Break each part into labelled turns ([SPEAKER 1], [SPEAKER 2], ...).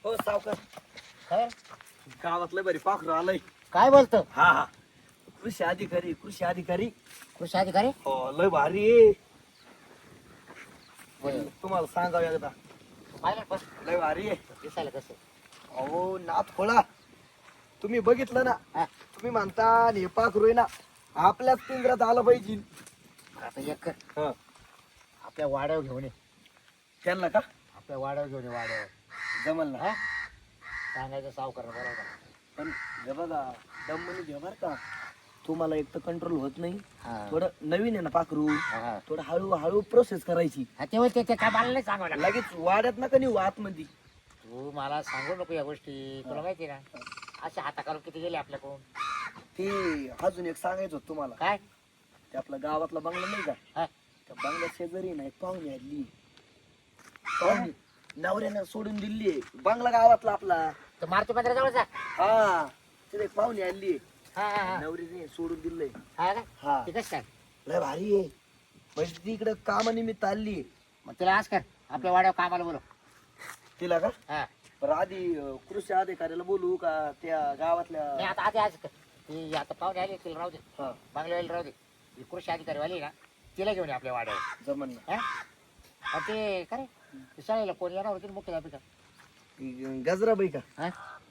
[SPEAKER 1] हो सावकार,
[SPEAKER 2] काय
[SPEAKER 1] गावातलं बरी पाखरू आलंय.
[SPEAKER 2] काय बोलतो?
[SPEAKER 1] हा हा, कृषी अधिकारी कृषी अधिकारी.
[SPEAKER 2] कृषी अधिकारी?
[SPEAKER 1] हो लय भारी आहे. तुम्हाला सांगावं एकदा,
[SPEAKER 2] पाहिलं पण
[SPEAKER 1] लय भारी आहे.
[SPEAKER 2] दिसायला कसं?
[SPEAKER 1] अहो नाथ खोळा, तुम्ही बघितलं ना,
[SPEAKER 2] हा,
[SPEAKER 1] तुम्ही म्हणता हे पाखरू आहे ना आपल्याच पिंजऱ्यात आलं पाहिजे.
[SPEAKER 2] आता एक कर,
[SPEAKER 1] हा,
[SPEAKER 2] आपल्या वाड्यावर घेऊन ये.
[SPEAKER 1] त्यांना का
[SPEAKER 2] आपल्या वाड्यावर घेऊन ये, वाड्यावर.
[SPEAKER 1] जमल ना.
[SPEAKER 2] हा, सांगायचं सावकार बरोबर.
[SPEAKER 1] पण हे बघा, दमनी घ्या बर का, तुम्हाला एक तर कंट्रोल होत नाही.
[SPEAKER 2] हा.
[SPEAKER 1] थोडं नवीन आहे ना पाखरू,
[SPEAKER 2] हा.
[SPEAKER 1] थोडं हळूहळू प्रोसेस करायची.
[SPEAKER 2] हा, ते काय मला नाही सांगावं लागलं.
[SPEAKER 1] लगेच वाड्यात नका नेऊ आतमध्ये.
[SPEAKER 2] तू मला सांगू नको या गोष्टी, तुला माहिती ना अशा हाताखालून किती गेले आपल्याकडून.
[SPEAKER 1] ते अजून एक सांगायचं होतं तुम्हाला.
[SPEAKER 2] काय?
[SPEAKER 1] ते आपला गावातला बंगला नाही का,
[SPEAKER 2] हा.
[SPEAKER 1] त्या बंगल्या शेजारी ना एक पाहुणे आली. पाहुणे नवऱ्यानं सोडून दिली बंगला गावातला आपला.
[SPEAKER 2] तर मारुती मंदिराजवळ जा.
[SPEAKER 1] हा, तिथे एक पाहुणे आली,
[SPEAKER 2] हा हा हा.
[SPEAKER 1] नवरीने सोडून दिलंय.
[SPEAKER 2] हा का?
[SPEAKER 1] हा,
[SPEAKER 2] ते कसं काय?
[SPEAKER 1] लय भारी आहे. म्हणजे ती इकडं कामानिमित्त आली.
[SPEAKER 2] मग तिला आज कर, आपल्या वाड्यावर कामाला बोलव.
[SPEAKER 1] तिला का
[SPEAKER 2] हा.
[SPEAKER 1] बरं आधी कृषी अधिकाऱ्याला बोलू का त्या गावातल्या?
[SPEAKER 2] नाही, आता आधी आज कर. ती आता पाहुणे आली, तिला राहू दे.
[SPEAKER 1] हा,
[SPEAKER 2] बंगल्यावाली राहू दे. ही कृषी अधिकारी वाली ना, तिला घेऊन ये आपल्या वाड्यावर.
[SPEAKER 1] जमन ना.
[SPEAKER 2] हा? आणि ते खरे शाळेला कोण येणार होती मुख्य अभिका?
[SPEAKER 1] गजराबाई का?
[SPEAKER 2] हा?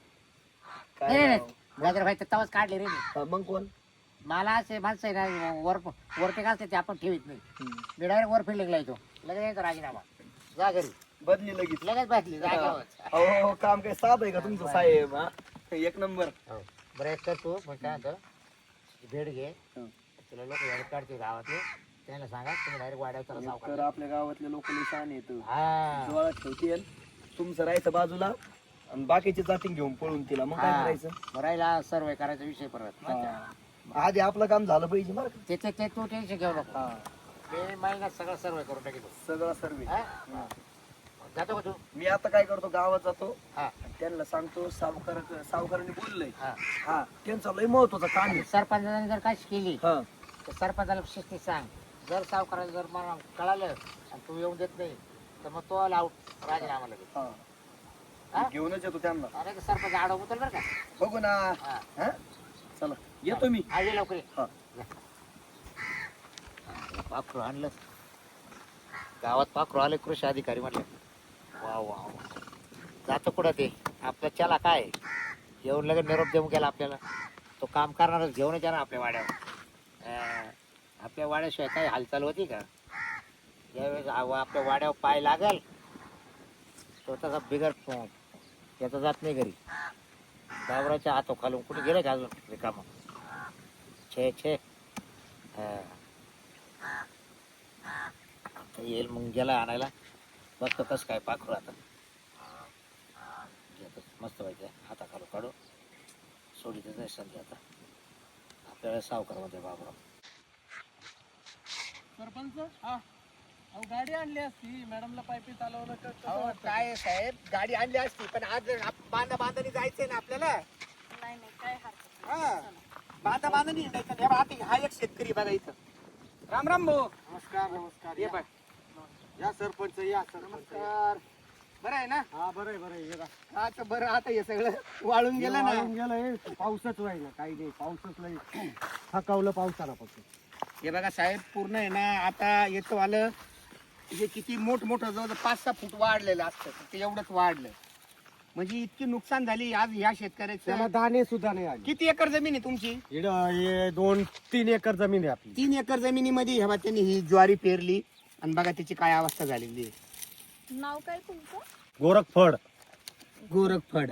[SPEAKER 1] काय
[SPEAKER 2] नाही नाही
[SPEAKER 1] नाव?
[SPEAKER 2] गाजर भाई तर तवाच काढले रे मी.
[SPEAKER 1] हा, मग कोण?
[SPEAKER 2] मला असे माणसं आहे ना, वरते घालते ते आपण ठेवीत नाही.
[SPEAKER 1] हम्म.
[SPEAKER 2] मी डायरेक्ट वर फिल्डिंगला येतो, लगेच यायचा राजीनामा. जा घरी,
[SPEAKER 1] बदली लगेच.
[SPEAKER 2] लगेच बसली जागेवर.
[SPEAKER 1] हो हो, काम काय साध आहे का तुमचं साहेब? हा, एक नंबर.
[SPEAKER 2] हो. बरं एक कर तू, मग काय म्हणतो, भेट घे.
[SPEAKER 1] हं.
[SPEAKER 2] तुला लोक यायला काढते गावातले, त्यांना सांगा तुम्ही डायरेक्ट वाड्यावर चला
[SPEAKER 1] तर
[SPEAKER 2] सावकार.
[SPEAKER 1] आपल्या गावातले लोक निशाण येत
[SPEAKER 2] हा.
[SPEAKER 1] डोळ्यात ठेवतील, तुमचं राहायचं बाजूला आणि बाकीचे जातीन घेऊन पळून तिला. मग काय करायचं?
[SPEAKER 2] राहिला सर्वे करायचा विषय परत.
[SPEAKER 1] हा. आधी आपलं काम झालं पाहिजे बरं का?
[SPEAKER 2] ते तू टेन्शन घेऊ नको.
[SPEAKER 1] हा,
[SPEAKER 2] ते महिन्यात सगळं सर्वे करून टाकी तू.
[SPEAKER 1] सगळं सर्वे.
[SPEAKER 2] हा? जातो का तू?
[SPEAKER 1] मी आता काय करतो, गावात जातो
[SPEAKER 2] हा.
[SPEAKER 1] आणि त्यांना सांगतो सावकारांनी बोललंय.
[SPEAKER 2] हा.
[SPEAKER 1] हा, त्यांचा लय महत्वाचं काम आहे.
[SPEAKER 2] सरपंचाने जर काय केली
[SPEAKER 1] हा,
[SPEAKER 2] तर सरपंचाला शिस्तीत सांग. जर सावकाराला जर मला कळालं आणि तू येऊन देत नाही तर मग तो आउट राजीनामा लगेच.
[SPEAKER 1] हा,
[SPEAKER 2] हा?
[SPEAKER 1] घेऊनच येतो त्यांना.
[SPEAKER 2] अरे सरपंच आडव उचल बरं का.
[SPEAKER 1] बघू ना.
[SPEAKER 2] हा.
[SPEAKER 1] हा, चला येतो मी.
[SPEAKER 2] आज ये लवकर ये.
[SPEAKER 1] हा.
[SPEAKER 2] पाखरू आणलं गावात, पाखरू आले कृषी अधिकारी म्हटलं. वा वा वा. जातो कुठं ते आपलं, चला काय येऊन लगेच निरोप देऊन गेला आपल्याला. तो काम करणारच घेऊनच येणार आपल्या वाड्यावर. आपल्या वाड्याशिवाय काही हालचाल होती का? यावेळेस आपल्या वाड्यावर पाय लागल तो तसा बिगर त्याचा जात नाही घरी. गावराच्या हातो खालून कुठे गेले का अजून रिकामा? छे छे. येईल मग गेला आणायला. बघतो कसं काय पाखरू आता. मस्त पाहिजे हाता खालून काढू सोडीतच नाही संधी आता आपल्याला सावकार मध्ये बाबराव.
[SPEAKER 3] सरपंच, हा अहो गाडी आणली असती, मॅडमला पायपी चालवलं तर कसं
[SPEAKER 2] अहो
[SPEAKER 3] वाटतं?
[SPEAKER 2] काय साहेब, गाडी आणली असती पण आज बांधानी जायचंय ना आपल्याला.
[SPEAKER 4] नाही नाही काय हरकत
[SPEAKER 2] हा, बांधानी हिंडायचं. हा एक शेतकरी बघा इथं.
[SPEAKER 3] राम राम भाऊ.
[SPEAKER 2] नमस्कार नमस्कार.
[SPEAKER 3] ये बाय.
[SPEAKER 2] या सरपंच या नमस्कार. बरं आहे ना?
[SPEAKER 3] हा बरं आहे बरं आहे.
[SPEAKER 2] आता बरं, आता हे सगळं वाळून गेलं ना.
[SPEAKER 3] गेलं पाऊसच व्हायला काही नाही, पाऊसच नाही थकावलं पावसाला फक्त.
[SPEAKER 2] हे बघा साहेब, पूर्ण आहे ना आता येतो आलं हे किती मोठमोठं जवळ 5-6 फूट वाढलेलं असतं, ते एवढंच वाढलं म्हणजे इतकी नुकसान झाली आज ह्या
[SPEAKER 3] त्याला
[SPEAKER 2] शेतकऱ्याचं.
[SPEAKER 3] दाणे सुद्धा नाही आले.
[SPEAKER 2] किती एकर जमीन आहे तुमची?
[SPEAKER 3] हे 2-3 एकर जमीन आहे आपली.
[SPEAKER 2] 3 एकर जमिनीमध्ये ह्या त्यांनी ही ज्वारी पेरली आणि बघा त्याची काय अवस्था झालेली आहे.
[SPEAKER 4] नाव काय तुमचं?
[SPEAKER 3] गोरखफड.
[SPEAKER 2] गोरखफड.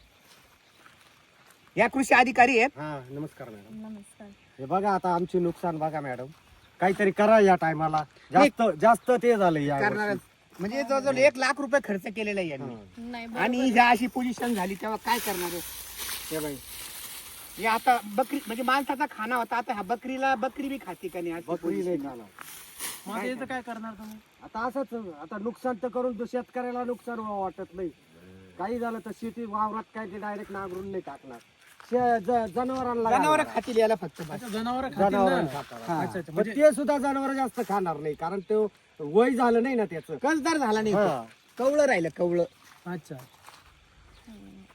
[SPEAKER 2] या कृषी अधिकारी आहेत.
[SPEAKER 3] हा नमस्कार मॅडम.
[SPEAKER 4] नमस्कार.
[SPEAKER 3] हे बघा आता आमची नुकसान बघा मॅडम, काहीतरी करा या टायमाला. जास्त ते झालं या
[SPEAKER 2] करणारच म्हणजे जवळजवळ 1 लाख रुपये खर्च केलेला आहे यांनी.
[SPEAKER 4] नाही
[SPEAKER 2] आणि
[SPEAKER 4] बरोबर.
[SPEAKER 2] ह्या अशी पोझिशन झाली तेव्हा काय करणार आहे? हे बाई, हे आता बकरी म्हणजे माणसाचा खाना होता, आता हा बकरी बी खाते का नाही अशी
[SPEAKER 3] बकरी नाही
[SPEAKER 2] position.
[SPEAKER 3] खाणार.
[SPEAKER 4] मग याचं काय करणार तुम्ही?
[SPEAKER 3] आता असंच, आता नुकसान तर करून शेतकऱ्याला नुकसान वाटत नाही. काही झालं तर शेती वावरात काय ते डायरेक्ट नांगरून नाही टाकणार. जनावरांना
[SPEAKER 2] जनावर
[SPEAKER 3] घालणार.
[SPEAKER 2] खातील याला फक्त बस.
[SPEAKER 4] जनावर
[SPEAKER 3] जनावरांना खातात. पण ते सुद्धा जनावर जास्त खाणार नाही, कारण ते वय झालं नाही ना त्याचं.
[SPEAKER 2] कसदार झाला नाही
[SPEAKER 3] हा.
[SPEAKER 2] कवळं राहिलं कवळं.
[SPEAKER 4] अच्छा.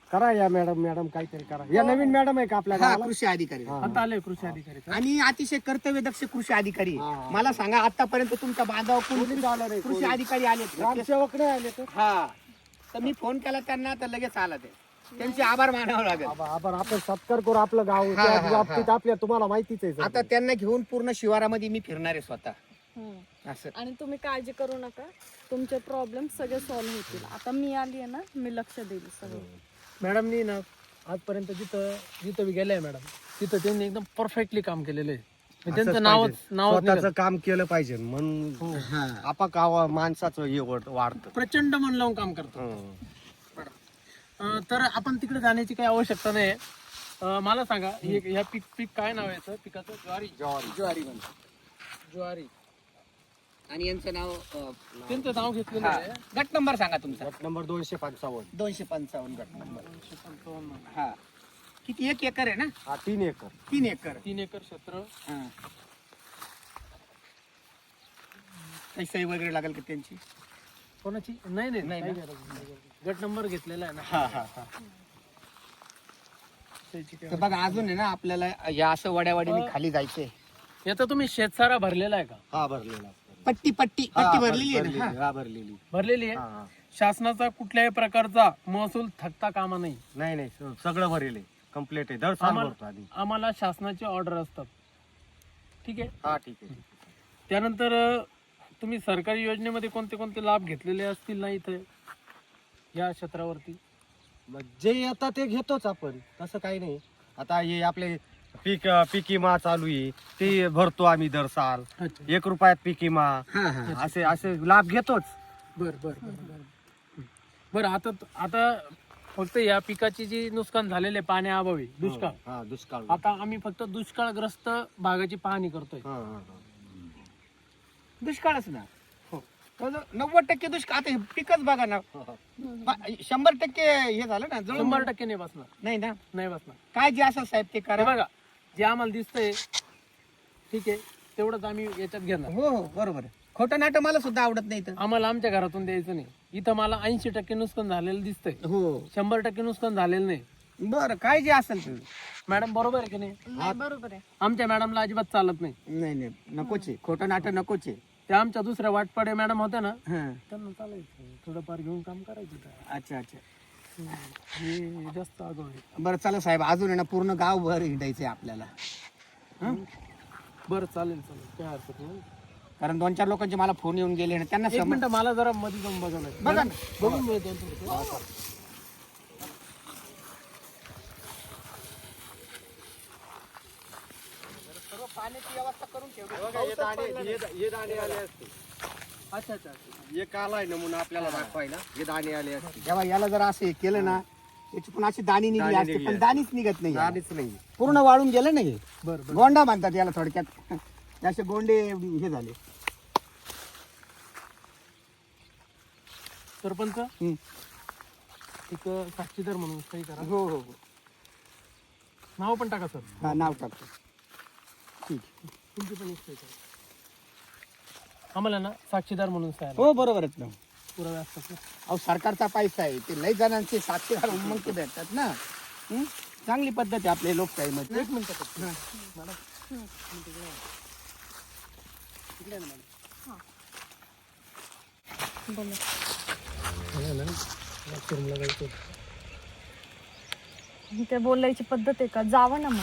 [SPEAKER 3] करा या मॅडम काहीतरी करा. या नवीन मॅडम आहे का आपल्या
[SPEAKER 5] हा
[SPEAKER 3] गावाला?
[SPEAKER 5] कृषी अधिकारी
[SPEAKER 3] हा.
[SPEAKER 6] आता आले कृषी अधिकारी.
[SPEAKER 5] आणि अतिशय कर्तव्यदक्ष कृषी अधिकारी आहे.
[SPEAKER 3] हा.
[SPEAKER 5] मला सांगा आतापर्यंत तुमच्या बांधावर कोणी
[SPEAKER 3] कोणीच आलं नाही,
[SPEAKER 5] कृषी
[SPEAKER 3] कोणी.
[SPEAKER 5] अधिकारी आले
[SPEAKER 3] ग्रामसेवक नाही आले तर
[SPEAKER 5] हा तर मी फोन केला त्यांना तर लगेच आला ते. त्यांचे आभार मानावं लागेल.
[SPEAKER 3] आभार आपण सत्कार करू आपलं गाव
[SPEAKER 5] हा,
[SPEAKER 3] त्या
[SPEAKER 5] हा,
[SPEAKER 3] बाबतीत आपल्या तुम्हाला माहितीच आहे सगळं.
[SPEAKER 5] आता त्यांना घेऊन पूर्ण शिवारामध्ये मी फिरणार आहे स्वतः
[SPEAKER 4] हम्म.
[SPEAKER 5] असं.
[SPEAKER 4] आणि तुम्ही काळजी करू नका, तुमचे प्रॉब्लेम सगळे सॉल्व्ह होतील. आता मी आली आहे ना, मी लक्ष देईल सगळं.
[SPEAKER 6] मॅडमनी ना आजपर्यंत जिथं मी गेले मॅडम तिथं त्यांनी एकदम परफेक्टली काम केलेलं आहे. म्हणजे
[SPEAKER 3] असंच
[SPEAKER 6] त्यांचं नावच
[SPEAKER 3] पाहिजे.
[SPEAKER 6] निघालं.
[SPEAKER 3] स्वतःचं काम केलं पाहिजे म्हणून आपा गावा माणसाचं हे वाढतं.
[SPEAKER 6] प्रचंड मन लावून काम करतो. तर आपण तिकडे जाण्याची काही आवश्यकता नाही. मला सांगा ह्या पीक काय नाव आहे याचं? पिकाचं
[SPEAKER 5] ज्वारी म्हणतो.
[SPEAKER 6] ज्वारी.
[SPEAKER 5] आणि यांचं नाव
[SPEAKER 6] त्यांचं नाव घेतलेलं
[SPEAKER 5] हा.
[SPEAKER 6] आहे.
[SPEAKER 5] गट नंबर सांगा तुमचा.
[SPEAKER 3] गट नंबर 255.
[SPEAKER 5] 255 गट नंबर.
[SPEAKER 6] 255.
[SPEAKER 5] हा किती 1 एकर आहे ना?
[SPEAKER 3] हा 3 एकर.
[SPEAKER 5] 3 एकर.
[SPEAKER 6] 3 एकर क्षेत्र.
[SPEAKER 5] हा. काही सही वगैरे लागेल का त्यांची?
[SPEAKER 6] कोणाची? नाही
[SPEAKER 5] नाही
[SPEAKER 6] काही
[SPEAKER 5] ना.
[SPEAKER 6] गरज नाही. गट नंबर घेतलेला आहे ना.
[SPEAKER 5] हा हा हा.
[SPEAKER 6] त्याची काही
[SPEAKER 5] तर बघा अजून आहे ना आपल्याला या असं वड्यावाडीने खाली जायचंय.
[SPEAKER 6] याचा तुम्ही शेतसारा भरलेला आहे का?
[SPEAKER 3] हा भरलेला.
[SPEAKER 5] पट्टी भरलेली आहे ना? हा.
[SPEAKER 3] हा भरलेली.
[SPEAKER 6] भरलेली आहे.
[SPEAKER 3] हा.
[SPEAKER 6] शासनाचा कुठल्याही प्रकारचा महसूल थकता कामा नाही.
[SPEAKER 3] नाही सगळं भरेल कम्प्लीट आहे. दर साल
[SPEAKER 6] आम्हाला-
[SPEAKER 3] भरतो आधी.
[SPEAKER 6] आम्हाला शासनाचे ऑर्डर असतात. ठीक आहे.
[SPEAKER 3] हा ठीक आहे.
[SPEAKER 6] त्यानंतर तुम्ही सरकारी योजनेमध्ये कोणते कोणते लाभ घेतलेले असतील ना इथे या क्षेत्रावरती?
[SPEAKER 3] मग जे येतात ते घेतोच आपण, तसं काही नाही. आता हे आपले पीक विमा चालू आहे ते भरतो आम्ही दर साल.
[SPEAKER 6] अच्छा.
[SPEAKER 3] 1 रुपयात पीक विमा
[SPEAKER 5] हा हा.
[SPEAKER 3] असे असे लाभ घेतोच.
[SPEAKER 6] बरं आता फक्त या पिकाची जी नुकसान झालेले पाण्याअभावी दुष्काळ.
[SPEAKER 3] हा दुष्काळ.
[SPEAKER 6] आता आम्ही फक्त दुष्काळग्रस्त भागाची पाहणी करतोय.
[SPEAKER 3] हा, हा,
[SPEAKER 5] दुष्काळच ना.
[SPEAKER 6] हो.
[SPEAKER 5] 90% दुष्काळ. आता हे पिकच बघा ना.
[SPEAKER 3] हा.
[SPEAKER 5] 100% हे झालं ना.
[SPEAKER 6] 100% नाही बसणार.
[SPEAKER 5] नाही ना.
[SPEAKER 6] नाही बसणार.
[SPEAKER 5] काय जे असं साहेब ते
[SPEAKER 6] हे
[SPEAKER 5] करा.
[SPEAKER 6] बघा जे आम्हाला दिसतंय ठीक आहे तेवढंच आम्ही याच्यात घेणार.
[SPEAKER 5] हो हो बरोबर आहे. खोटं नाटक मला सुद्धा आवडत नाही तर.
[SPEAKER 6] आम्हाला आमच्या घरातून द्यायचं नाही. इथं मला 80% नुकसान झालेलं दिसतंय.
[SPEAKER 5] हो
[SPEAKER 6] 100% नुकसान झालेलं नाही.
[SPEAKER 5] बरं काय जे असेल ते.
[SPEAKER 6] मॅडम बरोबर आहे की नाही?
[SPEAKER 4] नाही, बरोबर आहे.
[SPEAKER 6] आमच्या मॅडमला अजिबात चालत नाही.
[SPEAKER 5] नाही नकोच आहे. खोटं नाटक नकोच आहे.
[SPEAKER 6] त्या आमच्या दुसऱ्या वाटपाडे मॅडम होत्या ना
[SPEAKER 5] हा.
[SPEAKER 6] त्यांना चालायचं थोडंफार घेऊन काम करायचं.
[SPEAKER 5] अच्छा अच्छा.
[SPEAKER 6] हे जास्त आगाऊ आहे.
[SPEAKER 5] बरं चला साहेब अजून आहे ना पूर्ण गावभर हिंडायचंय आपल्याला.
[SPEAKER 6] बरं चालेल काय हरकत नाही.
[SPEAKER 5] कारण 2-4 लोकांचे मला फोन येऊन गेले ना त्यांना
[SPEAKER 6] एक मिनिट मला जरा मध्ये जाऊन बघायला
[SPEAKER 5] बघा ना.
[SPEAKER 6] बघून मिळतो थोडं.
[SPEAKER 5] पाण्याची व्यवस्था करून ठेवली.
[SPEAKER 3] हे दाणे आले असते.
[SPEAKER 6] अच्छा.
[SPEAKER 3] हे काल आहे नमुना आपल्याला दाखवायला. हे दाणे आले असते.
[SPEAKER 5] जेव्हा याला जर असं हे केलं ना याची पण अशी दाणी निघली
[SPEAKER 3] दाणी
[SPEAKER 5] असते
[SPEAKER 3] निघली
[SPEAKER 5] पण
[SPEAKER 3] असते.
[SPEAKER 5] दाणीच निघत नाही.
[SPEAKER 3] दाणेच नाही.
[SPEAKER 5] पूर्ण वाळून गेलं ना हे.
[SPEAKER 6] बरं
[SPEAKER 5] गोंडा म्हणतात याला थोडक्यात. असे गोंडे हे झाले.
[SPEAKER 6] सरपंच
[SPEAKER 5] हम्म.
[SPEAKER 6] एक साक्षीदार म्हणून काही करा.
[SPEAKER 5] हो हो हो.
[SPEAKER 6] नाव पण टाका सर.
[SPEAKER 5] हा नाव टाकतो. ठीक आहे.
[SPEAKER 6] तुमची पण एक सही करा. आम्हाला ना साक्षीदार म्हणून सह्या
[SPEAKER 5] हो बरोबर आहेत ना.
[SPEAKER 6] पुरावे असतात ना.
[SPEAKER 5] अहो सरकारचा पैसा आहे ते लई जणांचे साक्षीदार मग ते भेटतात ना. हं? चांगली पद्धत आहे आपल्या लोकशाहीमध्ये.
[SPEAKER 6] एक मिनिट
[SPEAKER 4] बोला. ते बोलायची पद्धत आहे का? जावं ना मग.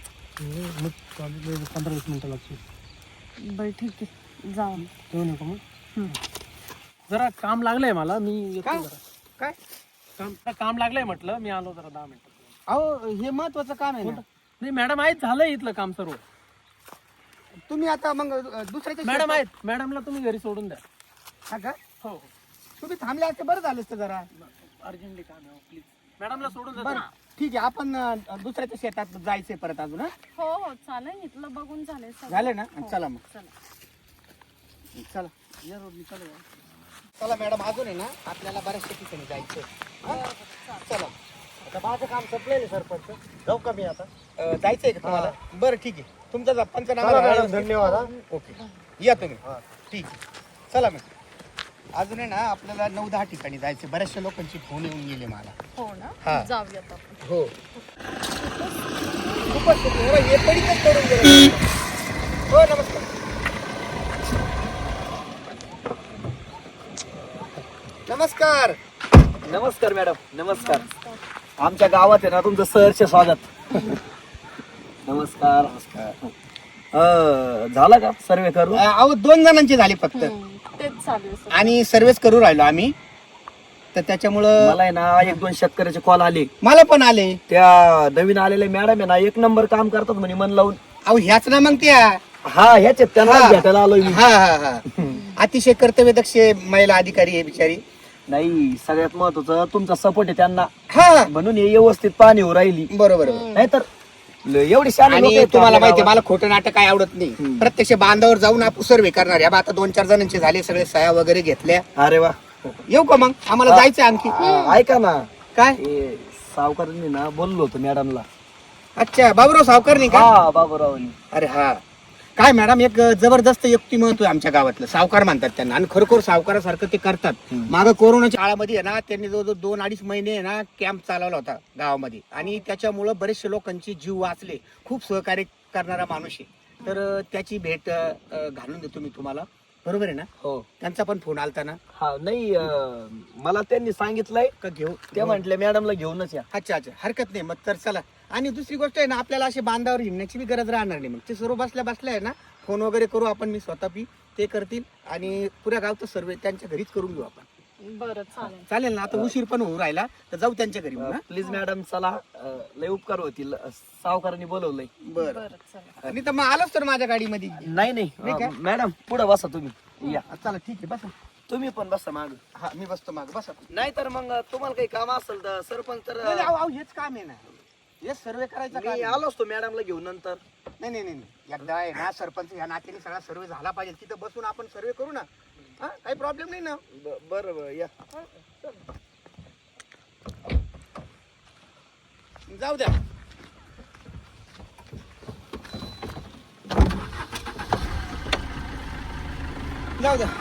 [SPEAKER 6] 15-20 मिनिटं लागतील.
[SPEAKER 4] बरं ठीक आहे जावं.
[SPEAKER 6] येऊ नका मग.
[SPEAKER 4] हम्म.
[SPEAKER 6] जरा काम लागलंय मला मी येतो
[SPEAKER 5] काय?
[SPEAKER 6] जरा.
[SPEAKER 5] काय
[SPEAKER 6] काम लागलंय म्हटलं मी आलो जरा 10 मिनिटं.
[SPEAKER 5] अहो हे महत्वाचं काम आहे ना.
[SPEAKER 6] नाही मॅडम आहेत झालंय इथलं काम सर्व.
[SPEAKER 5] तुम्ही आता मग दुसऱ्याच्या
[SPEAKER 6] मॅडम आहेत मॅडमला तुम्ही घरी सोडून द्या.
[SPEAKER 5] हा का?
[SPEAKER 6] हो
[SPEAKER 5] तुम्ही थांबले असते बरं झालं असतं जरा.
[SPEAKER 6] अर्जंटली काम आहे प्लीज मॅडमला सोडून द्या.
[SPEAKER 5] बरं ठीक आहे आपण दुसऱ्याच्या शेतात जायचंय परत अजून. हा
[SPEAKER 4] हो हो चालेल. इथलं बघून झालंय सगळं.
[SPEAKER 5] झालं ना.
[SPEAKER 4] हो,
[SPEAKER 5] चला मग
[SPEAKER 4] चला.
[SPEAKER 5] चला या रोडनी चला. चला मॅडम अजून आहे ना आपल्याला बऱ्याचशा ठिकाणी जायचंय. हा? चला
[SPEAKER 3] आता माझं काम संपलेलं सरपंच. जाऊ का मी आता?
[SPEAKER 5] जायचंय का तुम्हाला? बरं ठीक आहे. तुमचा
[SPEAKER 3] चला
[SPEAKER 5] पंचनामा
[SPEAKER 3] मॅडम धन्यवाद. हा.
[SPEAKER 5] ओके या तुम्ही.
[SPEAKER 3] हा.
[SPEAKER 5] ठीक आहे चला मग. अजून आहे ना आपल्याला 9-10 ठिकाणी जायचे. बऱ्याचशा लोकांची फोन येऊन गेले मला.
[SPEAKER 4] हो
[SPEAKER 5] हा.
[SPEAKER 4] ना, जाऊयात आपण.
[SPEAKER 5] हो खूपच हे पडीतच करून गेलं. हो नमस्कार. नमस्कार.
[SPEAKER 1] नमस्कार मॅडम, नमस्कार. आमच्या गावात आहे ना तुमचं सहर्ष स्वागत. नमस्कार. झाला का सर्वे करू?
[SPEAKER 5] अहो 2 जणांची झाली फक्त
[SPEAKER 4] तेच चालू आहे सर.
[SPEAKER 5] आणि सर्वेच करू राहिलो आम्ही, तर त्याच्यामुळं
[SPEAKER 1] मला आहे ना 1-2 शेतकऱ्याचे कॉल आले.
[SPEAKER 5] मला पण आले.
[SPEAKER 1] त्या नवीन आलेले मॅडम आहे ना 1 नंबर काम करतात म्हणे मन लावून.
[SPEAKER 5] अहो ह्याच ना मग त्या.
[SPEAKER 1] हा ह्याचे त्यांना
[SPEAKER 5] हा.
[SPEAKER 1] भेटायला आलोय मी.
[SPEAKER 5] हा हा हा अतिशय कर्तव्यदक्ष महिला अधिकारी आहे बिचारी.
[SPEAKER 1] नाही सगळ्यात महत्वाचं तुमचा सपोर्ट आहे त्यांना,
[SPEAKER 5] हा
[SPEAKER 1] म्हणून हे व्यवस्थित पाणी हो राहिली.
[SPEAKER 5] बरोबर.
[SPEAKER 1] नाहीतर एवढी शाळा
[SPEAKER 5] आणि तुम्हाला माहिती आहे, मला खोटं नाटक काय आवडत नाही. प्रत्यक्ष बांधावर जाऊन आपण सर्वे करणार. या 2-4 जणांचे झाले, सगळे सह्या वगैरे घेतल्या.
[SPEAKER 1] अरे वा.
[SPEAKER 5] येऊ का मग? आम्हाला जायचं आणखी.
[SPEAKER 1] ऐका ना,
[SPEAKER 5] काय?
[SPEAKER 1] हे सावकारांनी ना बोललो होतो मॅडमला.
[SPEAKER 5] अच्छा बाबूराव सावकार नाही का?
[SPEAKER 1] हा बाबूरावनी.
[SPEAKER 5] अरे हा काय मॅडम, एक जबरदस्त व्यक्तिमत्व आहे आमच्या गावातलं. सावकार म्हणतात त्यांना, आणि खरोखर सावकारासारखं ते करतात. मागं कोरोनाच्या काळामध्ये आहे ना, त्यांनी जवळजवळ 2-2.5 महिने आहे ना कॅम्प चालवला होता गावामध्ये, आणि त्याच्यामुळं बरेचसे लोकांचे जीव वाचले. खूप सहकार्य करणारा माणूस आहे. तर त्याची भेट घालून देतो मी तुम्हाला. बरोबर आहे ना?
[SPEAKER 1] हो.
[SPEAKER 5] त्यांचा पण फोन आलता ना?
[SPEAKER 1] हा नाही मला त्यांनी सांगितलंय
[SPEAKER 5] का घेऊ?
[SPEAKER 1] ते म्हटले मॅडमला घेऊनच या.
[SPEAKER 5] अच्छा अच्छा, हरकत नाही मग. तर चला. आणि दुसरी गोष्ट आहे ना, आपल्याला असे बांधावर हिंडण्याची बी गरज राहणार नाही. मग ते सर्व बसल्या बसल्या आहे ना, फोन वगैरे करू आपण, मी स्वतः ते करतील, आणि पुऱ्या गावचं सर्वे त्यांच्या घरीच करून घेऊ आपण.
[SPEAKER 4] बरं चालेल.
[SPEAKER 5] चालेल ना? आता उशीर पण होऊ राहिला, तर जाऊ त्यांच्या घरी मग.
[SPEAKER 1] प्लीज मॅडम चला, लय उपकार होतील. सावकारांनी बोलवलंय.
[SPEAKER 5] बरं.
[SPEAKER 4] बरं चला.
[SPEAKER 5] आणि तर मग आलोच तर माझ्या गाडीमध्ये.
[SPEAKER 1] नाही
[SPEAKER 5] नाही
[SPEAKER 1] नाही
[SPEAKER 5] का?
[SPEAKER 1] मॅडम पुढे बसा तुम्ही. या
[SPEAKER 5] चला ठीक आहे, बसा.
[SPEAKER 1] तुम्ही पण बसा माग.
[SPEAKER 5] हा मी बसतो माग, बसा.
[SPEAKER 1] नाही तर मग तुम्हाला काही काम असेल तर सरपंच तर
[SPEAKER 5] नाही, अहो, हेच काम आहे ना, हेच सर्वे करायचं काम
[SPEAKER 1] मी
[SPEAKER 5] आहे.
[SPEAKER 1] आलो असतो मॅडमला घेऊन नंतर.
[SPEAKER 5] नाही नाही नाही नाही. एकदा आहे ना सरपंच या नात्याने सगळा सर्वे झाला पाहिजे. तिथं बसून आपण सर्वे करू ना. हा काही प्रॉब्लेम नाही ना.
[SPEAKER 1] बरं बरं या.
[SPEAKER 5] जाऊ द्या. जाऊ द्या.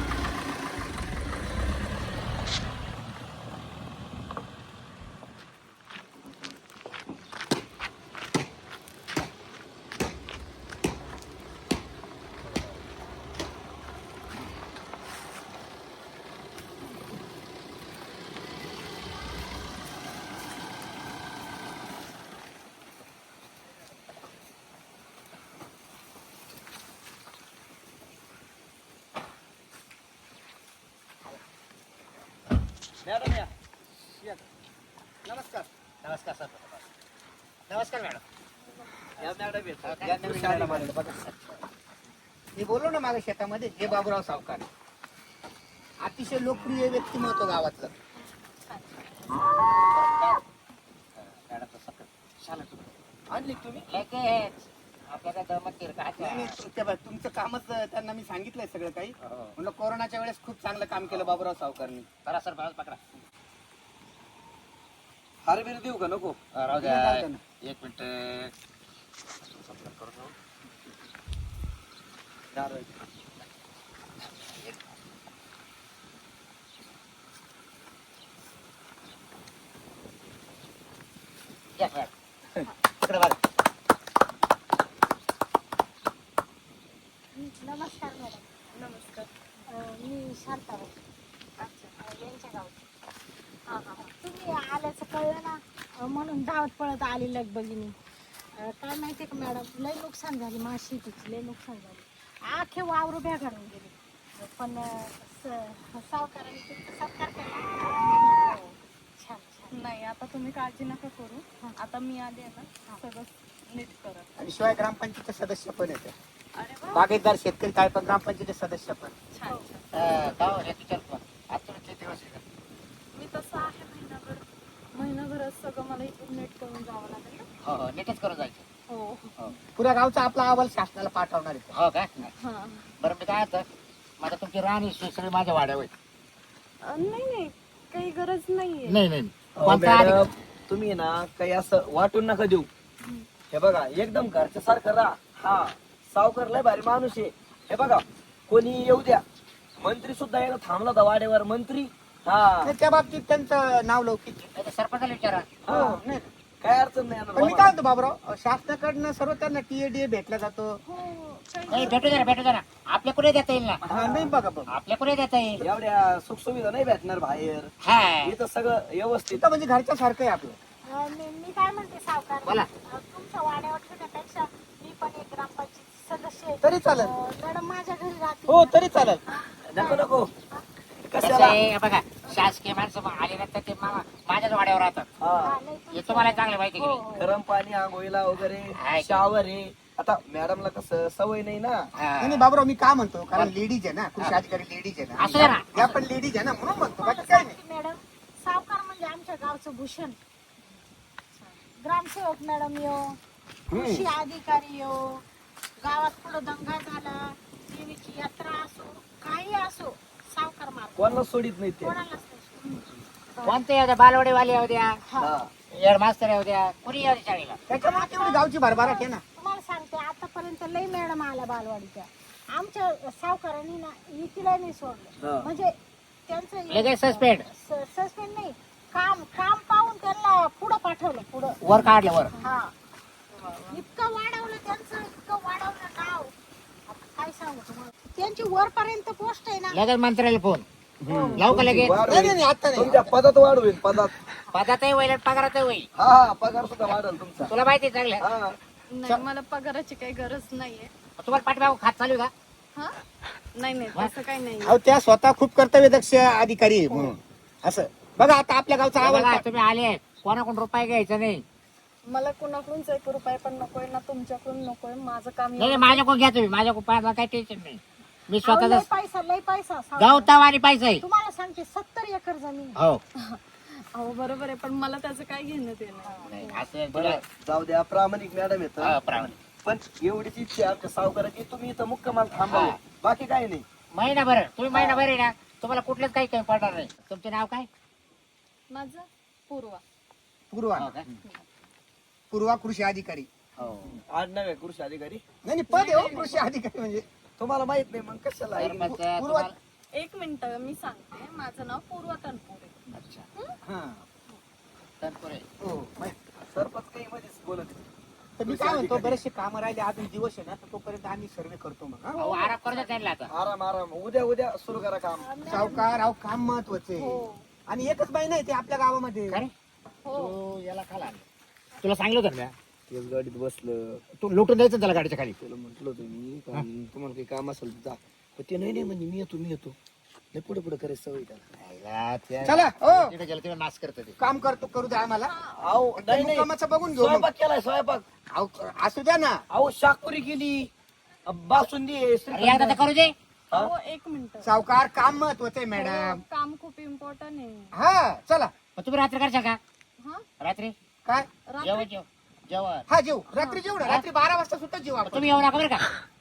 [SPEAKER 1] मॅडम या.
[SPEAKER 5] नमस्कार.
[SPEAKER 2] नमस्कार सर. नमस्कार मॅडम.
[SPEAKER 1] या मॅडम येतात.
[SPEAKER 5] या नवीन मॅडम आल्या बघा. मी बोललो ना मागे शेतामध्ये, हे बाबूराव सावकार, अतिशय लोकप्रिय व्यक्तिमत्व गावातलं.
[SPEAKER 2] मॅडम सर चालेल तुम्ही.
[SPEAKER 1] आणली का तुम्ही?
[SPEAKER 2] लगेच आपल्याला दमत
[SPEAKER 5] नाही,
[SPEAKER 2] काय
[SPEAKER 5] नाही, ते बघ, तुमचं कामच त्यांना मी सांगितलंय सगळं काही. म्हणलं कोरोनाच्या वेळेस खूप चांगलं काम केलं बाबूराव सावकारनी.
[SPEAKER 2] करा सर, बाजू पकडा.
[SPEAKER 1] हार बिर देऊ का नको?
[SPEAKER 2] राहू द्या.
[SPEAKER 5] जाऊ द्या ना.
[SPEAKER 2] 1 मिनिट. या मॅडम. पकडा बाजू.
[SPEAKER 7] नमस्कार मॅडम.
[SPEAKER 4] नमस्कार.
[SPEAKER 7] मी शांताबाई. अच्छा यांच्या गावची. हां हां तुम्ही आल्याचं कळलं ना, म्हणून धावत पळत आली लगबगीने. काय माहिती आहे का मॅडम, लय नुकसान झाली माझ्या शेतीची, लय नुकसान झाली. आखे वावरं भ्याघाडून गेले. पण सावकाराने तुमचा सत्कार केला. हो. छान छान.
[SPEAKER 4] नाही आता तुम्ही काळजी नका करू. आता मी आले ना, सगळं नीट करा.
[SPEAKER 5] आणि शिवाय ग्रामपंचायतचे सदस्य पण येते.
[SPEAKER 4] अरे वा,
[SPEAKER 5] बागेदार शेतकरी काय पण ग्रामपंचायतचे सदस्य पण.
[SPEAKER 4] छान छान.
[SPEAKER 2] का हो, एक विचार तुम्हाला. आज तुला किती दिवस आहे का?
[SPEAKER 4] मी तसं आहे महिनाभरात सगळं मला इथून नीट करून जावं लागेल ना.
[SPEAKER 2] हो हो, नीटच करून जायचं.
[SPEAKER 4] हो.
[SPEAKER 5] पुऱ्या गावचा आपला अहवाल शासनाला पाठवणार आहे.
[SPEAKER 2] हो का?
[SPEAKER 4] हां.
[SPEAKER 2] बरं मी काय आता माझा तुमची राणी सगळी माझ्या वाड्यावर आहे.
[SPEAKER 4] नाही नाही, काही गरज नाहीये.
[SPEAKER 2] नाही नाही.
[SPEAKER 1] कोणता तुम्ही ना काही असं वाटून नका देऊ. हे बघा एकदम घरच्या सारखं राहा. हा सावकार लय भारी माणूस आहे. हे बघा कोणी येऊ द्या, मंत्री सुद्धा यायला थांबला होता वाड्यावर मंत्री. हा
[SPEAKER 5] नाही, त्या बाबतीत त्यांचं नाव लौकिक आहे.
[SPEAKER 2] नाही तर सरपंचाला विचारा.
[SPEAKER 1] हा.
[SPEAKER 5] हो, नाही.
[SPEAKER 1] काय अडचण नाही
[SPEAKER 5] पण मी काय म्हणतो बाबूराव, शासनाकडनं सर्व त्यांना टीएडीए भेटला जातो.
[SPEAKER 7] हो काही
[SPEAKER 2] नाही भेटू जरा आपल्या कुठे देता येईल ना,
[SPEAKER 5] हा, नाही बघा बघा.
[SPEAKER 2] आपल्या कुठे देता येईल.
[SPEAKER 1] एवढ्या सुखसुविधा नाही भेटणार बाहेर.
[SPEAKER 2] हा
[SPEAKER 1] इथं सगळं व्यवस्थित.
[SPEAKER 5] तिथं म्हणजे घरच्या सारखं आहे आपलं.
[SPEAKER 7] मी काय म्हणते सावकार,
[SPEAKER 2] बोला.
[SPEAKER 7] तुमच्या वाड्यावर ठेवण्यापेक्षा मी पण एक ग्रामपंचायत सदस्य आहे.
[SPEAKER 5] तरी चालेल.
[SPEAKER 7] मॅडम माझ्या घरी राहते.
[SPEAKER 5] हो तरी चालेल.
[SPEAKER 1] नको नको
[SPEAKER 2] कसं
[SPEAKER 1] कशाला.
[SPEAKER 2] आहे बघा, शासकीय माणसं मग आले नंतर ते माझ्याच वाड्यावर राहतात.
[SPEAKER 1] हा
[SPEAKER 7] नाही,
[SPEAKER 2] हे तुम्हाला चांगलं माहिती की नाही?
[SPEAKER 1] गरम पाणी आंघोळीला वगैरे
[SPEAKER 2] आहे.
[SPEAKER 1] शावर आहे. आता मॅडमला कसं सवय नाही ना.
[SPEAKER 2] हा.
[SPEAKER 5] नाही बाबूराव, मी काय म्हणतो, कारण लेडीज आहे ना, कृषी अधिकारी लेडीज आहे
[SPEAKER 2] असू द्या
[SPEAKER 5] ना,
[SPEAKER 2] ना.
[SPEAKER 5] या पण लेडीज आहे ना, म्हणून म्हणतो, बाकी काय नाही.
[SPEAKER 7] मॅडम सावकार म्हणजे आमच्या गावचं भूषण. ग्रामसेवक मॅडम यो, कृषी अधिकारी यो, गावात पुढे दंगा झाला, देवीची यात्रा असो, काही असो, सावकार मार्ग
[SPEAKER 1] कोणाला सोडित नाही ते.
[SPEAKER 7] कोणालाच नाही.
[SPEAKER 2] कोणते येऊ द्या, बालवाडीवाले येऊ द्या,
[SPEAKER 1] हा
[SPEAKER 2] हेड मास्तर येऊ द्या, कुणी येऊ द्या शाळेला.
[SPEAKER 5] त्याच्यामुळे तेवढी गावची भरभराट आहे ना.
[SPEAKER 7] तुम्हाला सांगते आतापर्यंत लई मॅडम आल्या बालवाडीच्या. आमच्या सावकारांनी ना इथला नाही सोडलं.
[SPEAKER 1] हा.
[SPEAKER 7] म्हणजे त्यांचं
[SPEAKER 2] लगेच सस्पेंड
[SPEAKER 7] सस्पेंड नाही, काम पाहून त्यांना पुढं पाठवलं पुढं.
[SPEAKER 2] वर काढलं वर.
[SPEAKER 7] हा इतकं वाढवलं त्यांचं, इतकं वाढवलं नाव, आता काय सांगू तुम्हाला. त्यांची वरपर्यंत पोस्ट आहे ना.
[SPEAKER 2] लगेच मंत्र्याला फोन लावू का लगेच.
[SPEAKER 1] वाढ
[SPEAKER 5] नाही,
[SPEAKER 1] होईल.
[SPEAKER 5] नाही, आता नाही.
[SPEAKER 1] तुमच्या पदात वाढ होईल पदात.
[SPEAKER 2] पदातही होईल आणि पगारातही होईल.
[SPEAKER 1] हा पगार सुद्धा वाढेल तुमचा.
[SPEAKER 2] तुला माहिती आहे चांगलं.
[SPEAKER 1] हा
[SPEAKER 4] नाही मला पगाराची काही गरज नाहीये.
[SPEAKER 2] तुम्हाला पाठीमागून खात चालू आहे का?
[SPEAKER 4] हा नाही तसं काही नाही.
[SPEAKER 5] अहो, त्या स्वतः खूप कर्तव्यदक्ष अधिकारी आहे म्हणून असं. बघा आता आपल्या गावचा
[SPEAKER 2] बघा,
[SPEAKER 5] आवाज.
[SPEAKER 2] तुम्ही आले कोणाकडून रुपये घ्यायचा नाही.
[SPEAKER 4] मला कुणाकडूनच 1 रुपया पण नकोय ना तुमच्याकडून नकोय. माझं काम
[SPEAKER 2] नाही माझ्याकडून घ्या तुम्ही, माझ्याकडून पाहिजे काही टेन्शन नाही. मी
[SPEAKER 7] अहो, लय
[SPEAKER 2] स्वतःच
[SPEAKER 7] पैसा लय पैसा सावकार.
[SPEAKER 2] गवताव आणि पैसा आहे.
[SPEAKER 7] तुम्हाला सांगते 70 एकर जमीन.
[SPEAKER 2] हो
[SPEAKER 4] अहो बरोबर आहे, पण मला त्याचं काय घेणं देणं नाही.
[SPEAKER 2] नाही, असं
[SPEAKER 1] बरं जाऊ द्या. प्रामाणिक मॅडम येत
[SPEAKER 2] हा, प्रामाणिक.
[SPEAKER 1] पण एवढीच इच्छा आहे आमच्या सावकाराची, तुम्ही इथं मुक्कामाल थांबावं.
[SPEAKER 2] हा.
[SPEAKER 1] बाकी काही नाही.
[SPEAKER 2] महिनाभर तुम्ही महिनाभर आहे ना, तुम्हाला कुठलंच काही काही पडणार नाही. तुमचं नाव काय?
[SPEAKER 4] माझं पूर्वा.
[SPEAKER 5] पूर्वा
[SPEAKER 2] हो का?
[SPEAKER 5] पूर्वा कृषी अधिकारी.
[SPEAKER 1] आडनाव आहे कृषी अधिकारी.
[SPEAKER 5] नाही नाही, पद आहे हो कृषी अधिकारी म्हणजे.
[SPEAKER 1] तुम्हाला माहित नाही मग कशाला आहे?
[SPEAKER 2] सरपंच
[SPEAKER 5] पूर्वा-
[SPEAKER 2] तुम्हाला-
[SPEAKER 4] 1 मिनिट मी सांगते. माझं नाव पूर्वा तनपुरे.
[SPEAKER 2] अच्छा
[SPEAKER 5] हा.
[SPEAKER 2] तनपुरे.
[SPEAKER 5] हो, माहित.
[SPEAKER 1] सरपंच काही मध्येच बोलत नाही.
[SPEAKER 5] तर मी काय म्हणतो, बरेचसे कामं राहिले अजून दिवस आहे ना, तर तोपर्यंत आम्ही सर्वे करतो मग. हा?
[SPEAKER 2] अहो, आराम करू द्या त्यांना आता.
[SPEAKER 1] आराम आराम. उद्या सुरू करा काम.
[SPEAKER 5] सावकार, अहो काम महत्वाचं आहे.
[SPEAKER 4] हो
[SPEAKER 5] आणि एकच महिना आहे ते आपल्या गावामध्ये.
[SPEAKER 2] काय रे?
[SPEAKER 4] हो
[SPEAKER 2] तू याला खाला आणलं. तुला सांगितलं होतं ना म्या?
[SPEAKER 1] तेच गाडीत बसलं.
[SPEAKER 2] तू लुटून द्यायचं ना त्याला गाडीच्या खाली.
[SPEAKER 1] त्याला म्हटलं होतं मी का तुम्हाला काही काम असेल तर जा. पण ते नाही म्हणजे मी येतो. नाही पुढे करायचं सवय त्याला.
[SPEAKER 2] आईला त्या-
[SPEAKER 5] चला हो,
[SPEAKER 2] तिकडे गेलं तेव्हा नाश करतं ते.
[SPEAKER 5] काम करू द्या आम्हाला.
[SPEAKER 1] अहो नाही नाही.
[SPEAKER 5] कामाचं बघून घेऊ मग.
[SPEAKER 1] स्वयंपाक केलाय स्वयंपाक.
[SPEAKER 5] अहो, असू द्या ना.
[SPEAKER 1] अहो शाकपुरी केली. बासुंदी आहे,
[SPEAKER 2] अरे
[SPEAKER 1] श्रीखंड.
[SPEAKER 2] एकदा तर करू दे.
[SPEAKER 4] हो 1 मिनिट.
[SPEAKER 5] सावकार, काम महत्वाचं आहे मॅडम.
[SPEAKER 4] काम खूप इम्पॉर्टंट आहे.
[SPEAKER 5] हा चला.
[SPEAKER 2] मग तुम्ही रात्री करशाल का?
[SPEAKER 4] हा
[SPEAKER 2] रात्री
[SPEAKER 5] काय?
[SPEAKER 2] जेवण जेवण.
[SPEAKER 5] हा जेव रात्री जेवू ना. रात्री 12 वाजता सुद्धा जेवू आपण.
[SPEAKER 2] तुम्ही येऊ नका बरं का.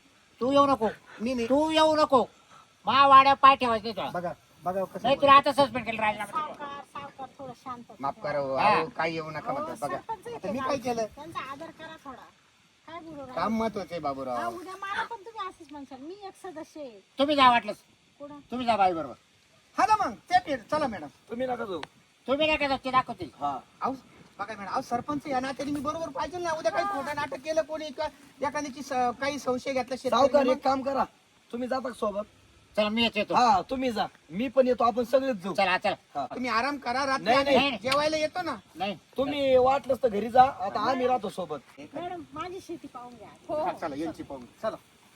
[SPEAKER 2] तू येऊ नको.
[SPEAKER 5] मी नाही.
[SPEAKER 2] तू येऊ नको. मा वाड्या पाय ठेवायचं नाही तुला.
[SPEAKER 5] बघा कसं.
[SPEAKER 2] नाही तुला आता सस्पेंड केलं राजीनामा.
[SPEAKER 7] सावकार थोडं शांत.
[SPEAKER 5] माफ करा हो.
[SPEAKER 2] हा.
[SPEAKER 5] अहो, काय येऊ नका म्हणतात. बघा
[SPEAKER 7] सरपंच आहे
[SPEAKER 5] आता
[SPEAKER 7] ते
[SPEAKER 5] मी काय
[SPEAKER 7] गावचे.
[SPEAKER 5] केलं.
[SPEAKER 7] त्यांचा आदर करा थोडा. काय बोलू राहिले?
[SPEAKER 5] काम महत्वाचं आहे
[SPEAKER 7] हा,
[SPEAKER 5] बाबूराव.
[SPEAKER 7] उद्या मला पण तुम्ही असंच म्हणशाल. मी एक सदस्य आहे.
[SPEAKER 2] तुम्ही जा वाटलंच.
[SPEAKER 7] कुठं?
[SPEAKER 2] तुम्ही जा बाई बरोबर.
[SPEAKER 5] हा ना मग ते चला मॅडम.
[SPEAKER 1] तुम्ही नका जाऊ.
[SPEAKER 2] तुम्ही नाही का ते दाखवतील.
[SPEAKER 1] हा
[SPEAKER 5] अहो बघा मॅडम, अहो सरपंच या नात्याने मी बरोबर पाहिजे ना. उद्या काही खोटं नाटक केलं कोणी किंवा एखाद्याची काही संशय घेतला
[SPEAKER 1] सावकार
[SPEAKER 5] शेतकऱ्याने,
[SPEAKER 1] एक काम करा. तुम्ही जाता का सोबत?
[SPEAKER 2] चला मी येतो.
[SPEAKER 1] हा तुम्ही जा. मी पण येतो. आपण सगळेच जाऊ.
[SPEAKER 2] चला चला.
[SPEAKER 1] हा.
[SPEAKER 5] तुम्ही आराम करा. रात्री
[SPEAKER 1] नाही,
[SPEAKER 5] आम्ही
[SPEAKER 2] नाही.
[SPEAKER 5] जेवायला येतो ना.
[SPEAKER 2] नाही
[SPEAKER 1] तुम्ही वाटलंच तर घरी जा. आता आम्ही राहतो सोबत.
[SPEAKER 7] मॅडम माझी शेती पाहून घ्या.
[SPEAKER 5] हा, चला यांची पाहून चला.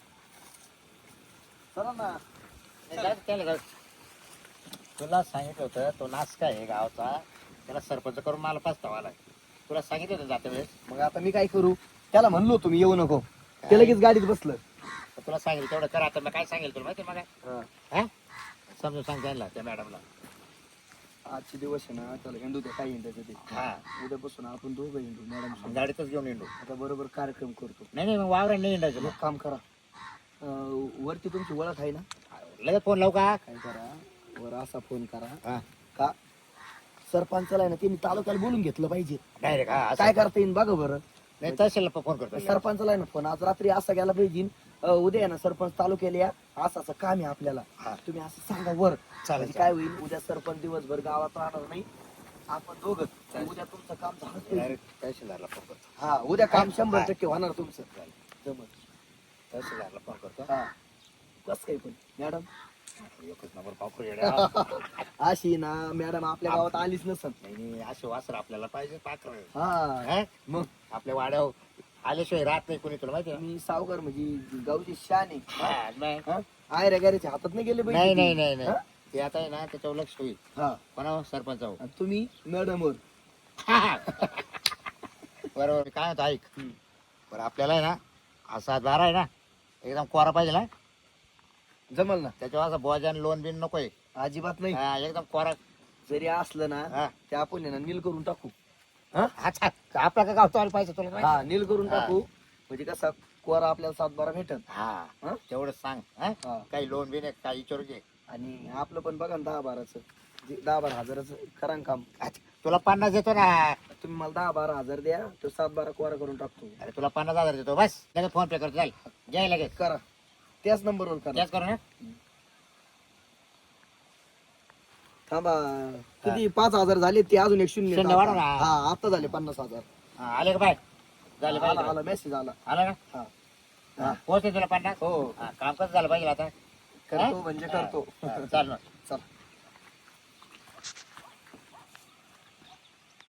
[SPEAKER 1] चला ना.
[SPEAKER 2] जाऊ दे, त्याला जाऊ दे. तुला सांगितलं होतं तो नाच काय आहे गावचा, त्याला सरपंच करून मला पस्तावा आलाय. तुला सांगितलं होतं जाते वेळेस.
[SPEAKER 1] मग आता मी काय करू? त्याला म्हणलो तुम्ही येऊ नको. ते लगेच गाडीत बसलं.
[SPEAKER 2] तर तुला सांगितलं तेवढं कर. आता मी काय सांगेल तुला माहिती आहे
[SPEAKER 1] हा.
[SPEAKER 2] मग हा समजून सांग त्यांना त्या मॅडमला.
[SPEAKER 1] आजचे दिवस आहे ना त्याला हिंडू द्या. काय हिंडायचं ते.
[SPEAKER 2] हा
[SPEAKER 1] उद्यापासून आपण दोघं हिंडू मॅडम.
[SPEAKER 2] गाडीतच घेऊन येऊ.
[SPEAKER 1] आता बरोबर कार्यक्रम करतो.
[SPEAKER 2] नाही नाही मग वावरा नाही हिंडायचं
[SPEAKER 1] एक काम करा. वरती तुमची ओळख आहे ना?
[SPEAKER 2] लगेच फोन लावू का?
[SPEAKER 1] काय करा, वर असा फोन करा
[SPEAKER 2] हा
[SPEAKER 1] का सरपंचाला आहे ना त्यांनी तालुक्याला बोलून घेतलं पाहिजे.
[SPEAKER 2] डायरेक्ट हा
[SPEAKER 1] काय करता येईल बघा बरं.
[SPEAKER 2] नाही तहसीलला फोन करतो.
[SPEAKER 1] सरपंचाला आहे ना फोन आज रात्री असा गेला पाहिजे उद्या आहे ना सरपंच तालुक्याला या, असं असं काम आहे आपल्याला, तुम्ही असं सांगा वर. म्हणजे काय होईल, उद्या सरपंच दिवसभर गावात राहणार नाही, आपण दोघं उद्या तुमचं काम झालं पाहिजे.
[SPEAKER 2] डायरेक्ट तहसीलदारला फोन करतो.
[SPEAKER 1] हा उद्या काम 100% होणार तुमचं. जमत.
[SPEAKER 2] तहसीलदारला फोन करतो.
[SPEAKER 1] हा कस काही पण मॅडम
[SPEAKER 2] एकच नंबर पाखरू येड्या.
[SPEAKER 1] अशी ना मॅडम आपल्या गावात आलीच नसत.
[SPEAKER 2] नाही असे वासर आपल्याला पाहिजे पाखरू.
[SPEAKER 1] हा मग
[SPEAKER 2] आपल्या वाड्यावर आल्याशिवाय राहत नाही कोणी, तुला माहिती आहे
[SPEAKER 1] मी सावकार म्हणजे गावची शान आहे.
[SPEAKER 2] ना? नाही
[SPEAKER 1] आयऱ्या गॅरेच्या हातात नाही गेले
[SPEAKER 2] नाही
[SPEAKER 1] पाहिजे.
[SPEAKER 2] नाही नाही. ते आता आहे ना त्याच्यावर लक्ष होईल.
[SPEAKER 1] हा
[SPEAKER 2] कोणावर? सरपंचावर.
[SPEAKER 1] आणि तुम्ही मॅडमवर.
[SPEAKER 2] बरोबर. काय होतं ऐक, बरं आपल्याला आहे ना हा 7-12 आहे ना एकदम कोरा पाहिजे ना,
[SPEAKER 1] जमल ना.
[SPEAKER 2] त्याच्यावर असं बोजान लोन बिन नकोय.
[SPEAKER 1] अजिबात नाही.
[SPEAKER 2] एकदम कोरा.
[SPEAKER 1] जरी असलं ना
[SPEAKER 2] हा.
[SPEAKER 1] ते आपण आहे ना नील करून टाकू.
[SPEAKER 2] अच्छा आपला का गावतो आला पाहिजे तुला माहिती?
[SPEAKER 1] हा नील करून टाकू, म्हणजे कसा कोरा आपल्याला 7-12 भेटत.
[SPEAKER 2] हा
[SPEAKER 1] हा?
[SPEAKER 2] तेवढं सांग.
[SPEAKER 1] हा.
[SPEAKER 2] काही लोन बिन आहे काही विचारू घे.
[SPEAKER 1] आणि आपलं पण बघा ना 10-12चं 10-12 हजाराचं करा ना काम.
[SPEAKER 2] तुला 50 देतो ना.
[SPEAKER 1] तुम्ही मला 10-12 हजार द्या, तो 7-12 कोरा करून टाकतो.
[SPEAKER 2] अरे तुला 50,000 देतो बस. लगेच फोन पे करतो. चाल घ्याय लगेच.
[SPEAKER 1] करा त्याच नंबरवर करा.
[SPEAKER 2] त्याच करू ना.
[SPEAKER 1] थांबा किती 5,000 झाले, ते अजून एक शून्य
[SPEAKER 2] शून्य वाढव ना.
[SPEAKER 1] हा आता झाले 50,000.
[SPEAKER 2] आले का बाय? झाले
[SPEAKER 1] आला
[SPEAKER 2] पाहिजे.
[SPEAKER 1] आला मेसेज आला.
[SPEAKER 2] आला ना.
[SPEAKER 1] हा
[SPEAKER 2] पोहोचते तुला 50.
[SPEAKER 1] हो
[SPEAKER 2] काम कसं झालं पाहिजे आता?
[SPEAKER 1] करतो म्हणजे करतो.
[SPEAKER 2] चाल मग.
[SPEAKER 1] चल